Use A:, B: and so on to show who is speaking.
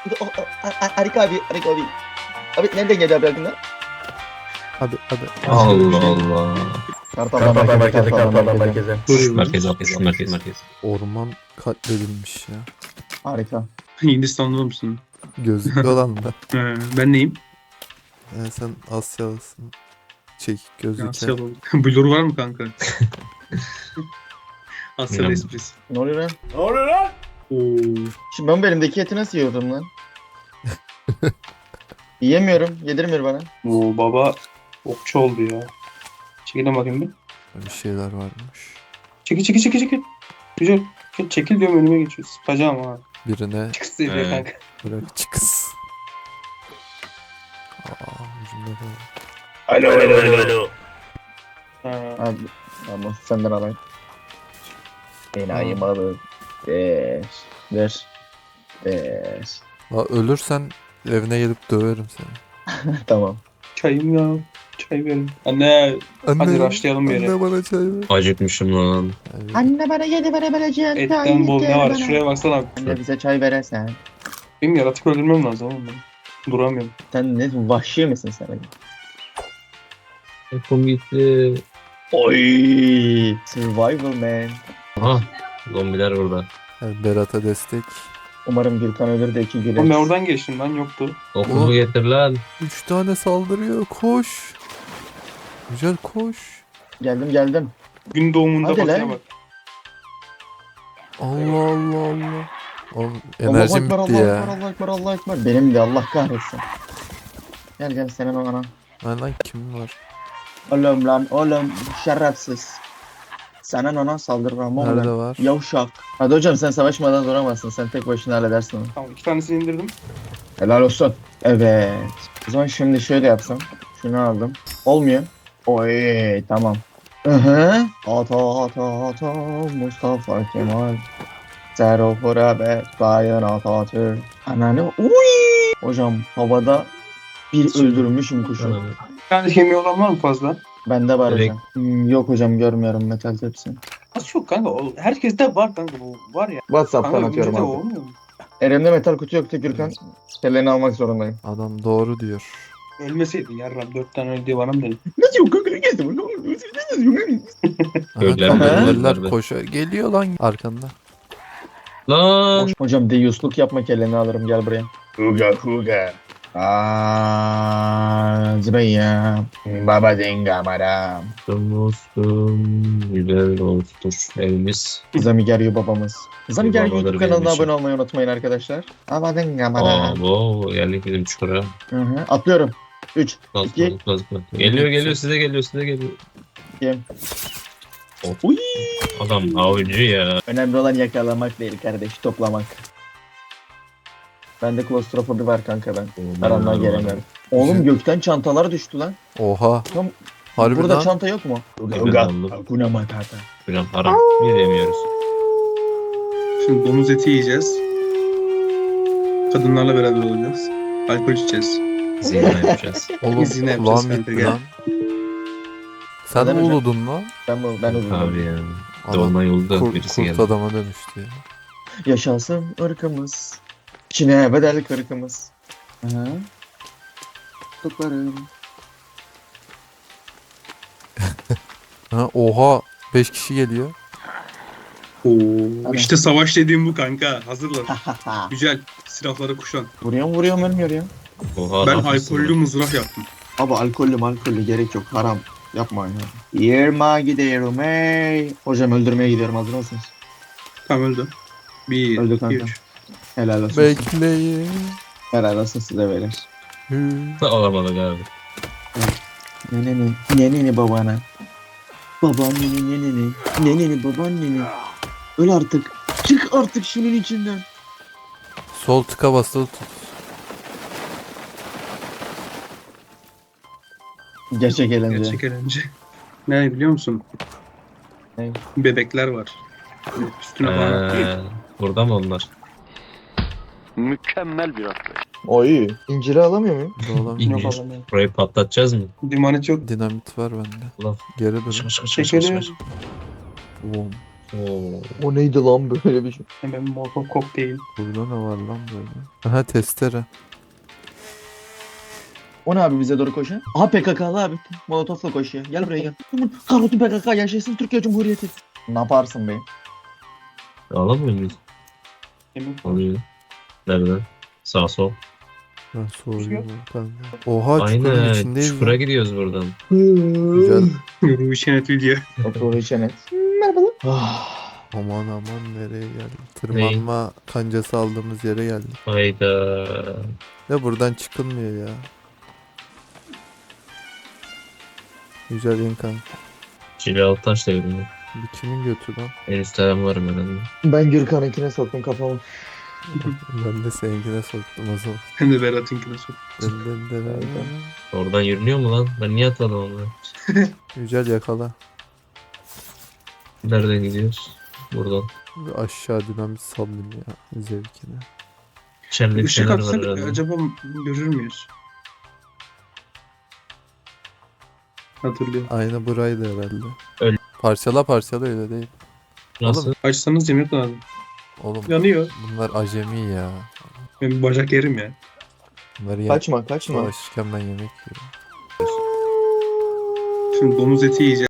A: Harika abi, harika abi. Abi nereden geldi abi aklına?
B: Abi.
C: Allah Allah.
A: Kartal'dan merkeze, Kartal'dan merkeze.
C: Merkez.
B: Orman katledilmiş ya.
A: Harika.
D: Hindistanlı mısın?
B: Gözlüklü olan da.
D: Ben neyim?
B: Sen Asyalısın. Çekik gözlükler.
D: Asyalı. Blur var mı kanka? Asyalı
C: Bilmem.
D: esprisi.
A: Ne oluyor lan?
D: Oo.
A: Şimdi ben bu elimdeki eti nasıl yiyordum lan? Yiyemiyorum. Yedirmiyor bana.
D: Oo baba okçu oldu ya. Çekilin bakayım bir.
B: Bir şeyler varmış.
D: Çekil. Güzel. Çekil diyorum önüme geçiyor. Sıpacağım ha.
B: Birine
D: Çık diyor
C: Evet.
D: kanka.
B: bırak çıkız. Ucunda da var.
A: Alo.
D: Ha.
A: Abi, ama senden alayım. Enayi malı. Ver.
B: La ölürsen evine gelip döverim seni.
A: Tamam.
D: Çayım ya. Çay verin. Anne. Hadi başlayalım bir yere.
B: Anne bana çay ver.
C: Acıkmışım lan.
B: Evet.
A: Anne bana yedi verebileceğin
D: Etten bol ne var? Şuraya baksana abi.
A: Anne bize çay veresen.
D: Benim yaratık öldürmem lazım oğlum ben. Duramıyorum.
A: Sen ne vahşi misin sen?
C: Telefon gitti.
A: Oy! Survival man.
C: Aha. Zombiler burada.
B: Berat'a destek.
A: Umarım Gürkan ölür de iki güler.
D: Oğlum ben oradan geçtim lan yoktu.
C: Okumu getir lan.
B: 3 tane saldırıyor. Koş. Güzel koş.
A: Geldim.
D: Gün doğumunda
A: Hadi
D: batıya
A: lan.
D: bak.
B: Allah. Oğlum
A: Allah
B: enerjim
A: Ekber,
B: bitti
A: Allah
B: ya.
A: Ekber, Allah Ekber, Allah Ekber. Benim de Allah kahretsin. Gel senin o ana.
B: Lan kim var?
A: Oğlum şerefsiz. Senin ona saldırmam
B: Nerede
A: oğlum.
B: var?
A: Yavşak. Hadi hocam sen savaşmadan duramazsın. Sen tek başına halledersin onu.
D: Tamam 2 tanesini indirdim.
A: Helal olsun. Evet. O zaman şimdi şöyle yapsam. Şunu aldım. Olmuyor. Oy tamam. Hı. Ata Mustafa Kemal. Zero Hurabe Sayın Atatürk. Ananı uy. Hocam havada bir öldürmüşüm kuşu.
D: Bir tane kemiği olan var mı fazla?
A: Bende var
C: Direkt.
A: hocam. Yok hocam görmüyorum metal tepsi.
D: Nasıl yok kanka? Herkeste var kanka bu. Var ya.
A: WhatsApp'tan
D: Kanka
A: atıyorum
D: bizde
A: abi.
D: olmuyor mu?
A: Elimde metal kutu yoktu Gürkan. Kelleni almak zorundayım.
B: Adam doğru diyor.
D: Ölmeseydin yarram 4 tane öldüğü var mı dedim.
A: Nasıl yok kanka? Nasıl yok?
C: Öyle
B: Aha,
C: mi?
B: kameralar
C: Öyle mi?
B: koşuyor. Geliyor lan arkanda.
C: Lan.
A: Hocam deyiusluk yapma kelleni alırım gel buraya. Huga. Zıbaya. Baba denga maram.
C: Dostum. Güzel dosttur evimiz.
A: Zamigeryo babamız. Zamigeryo
C: Babaları
A: YouTube kanalına
C: benim için.
A: abone olmayı unutmayın arkadaşlar. Baba denga
C: Aa
A: maram.
C: bu geldik bizim çukura.
A: Atlıyorum. 3, İki.
C: Kazma. Geliyor size geliyor.
A: Kim?
C: Of. Adam avcı ya.
A: Önemli olan yakalamak değil kardeş, toplamak. Bende klostrofobi var kanka ben. Aramdan gelemiyorum. Oğlum gökten çantalar düştü lan.
B: Oha.
A: Tam
B: Harbi
A: burada
B: lan.
A: çanta yok mu?
C: aldım.
A: Hakuna Matata.
C: Hocam haram. Yiyemiyoruz.
D: Şimdi domuz eti yiyeceğiz. Kadınlarla beraber olacağız. Alkol içeceğiz.
C: Zina yapacağız.
B: Oğlum
D: Biz yine yapacağız
B: kulağım
D: kanka,
B: gitti
D: gel.
B: lan. Sen
A: Neden
B: mi
A: hocam?
B: uludun lan?
A: Ben uzun.
C: Abi ya.
B: Adam
C: Dolma yolda birisi
B: kurt
C: geldi.
B: adama dönüştü ya.
A: Yaşasın ırkımız. Çin'e bedel ırkımız. Hı. Tuklarım.
B: Ha, oha. 5 kişi geliyor.
D: Oo, işte savaş dediğim bu kanka. Hazırlan. Güzel. Silahları kuşan.
A: Vuruyorum ölmüyor ya.
C: Oha,
D: Ben
C: ne yapıyorsun
D: alkollü
C: lan?
D: mızrak yaptım.
A: Abi alkollü gerek yok haram. Yapmayın ya. Yerma gidiyorum ey. Hocam öldürmeye gidiyorum hazır mısınız?
D: Tamam öldü. 1,
A: Öldü
D: 2,
A: kanka.
D: 3.
A: Helal olsun.
B: Bekleyin.
A: Helal olsun size beyler.
C: Alamadık abi.
A: Neneni babana. Babaanneni neneni babaanneni. Öl artık. Çık artık şunun içinden.
B: Sol tıka basılı tut.
A: Gerçek eğlence.
D: Gerçek eğlence. Ne biliyor musun?
A: Ne?
D: Bebekler var. Üstüne falan.
C: Burada mı onlar?
E: Mükemmel bir atlayış.
A: Oy. İnciri alamıyor muyum?
B: Dolan.
C: İyi.
A: Yok alamıyorum.
C: Burayı patlatacağız mı?
D: Dimanet yok.
B: Dinamit var bende.
C: Ulan.
B: Geri dur.
D: Çekelim.
B: Boom.
C: Oo.
A: O neydi lan böyle bir şey?
D: Hemen molotov kokteyl.
B: Burada ne var lan böyle? Aha testere.
A: O ne abi bize doğru koşuyor? Aha PKK'lı abi. Molotofla koşuyor. Gel buraya gel. Aman kahrolsun PKK yaşasın Türkiye Cumhuriyeti. Ne yaparsın be?
C: Alamıyor muyuz?
D: Hemen
C: Alıyor. Nereden? Sağ sol.
B: Ben soruyorum kanka. Oha çukurun
C: Aynen.
B: içindeyiz
C: Çukura
B: lan.
C: gidiyoruz buradan.
B: Güzel.
D: Ruhi Çenet video.
A: Otur içene. Merhabalar. Ah.
B: Aman aman nereye geldik? Tırmanma kancası aldığımız yere geldik.
C: Hayda.
B: Ya buradan çıkılmıyor ya. Güzel in kanka.
C: Cilalı taş devrimi.
B: Bir kimin götü lan?
C: En üstte ben varım herhalde.
A: Ben Gürkan'ınkine soktum kafamı.
B: Ben de seninkine soktum o zaman.
D: Hem de Berat'ınkine sok.
B: Dın.
C: Oradan yürünüyor mu lan? Ben niye atladım onu?
B: Güzel yakala.
C: Nereden gidiyoruz? Buradan.
B: Bir aşağı dinamit sallayayım ya zevkine.
C: İçeride bir
D: Işık
C: şeyler var
D: atsak
C: herhalde.
D: acaba görür müyüz? Hatırlıyorum.
B: Aynı buraydı herhalde.
C: Öyle.
B: Parçala öyle değil.
C: Nasıl?
D: Açsanız yemek lazım.
B: Oğlum
D: Yanıyor.
B: bunlar acemi ya.
D: Ben bacak yerim ya.
B: Bunları
A: Kaçma kaçma.
B: savaşırken ben yemek yiyorum.
D: Şimdi domuz eti yiyeceğim.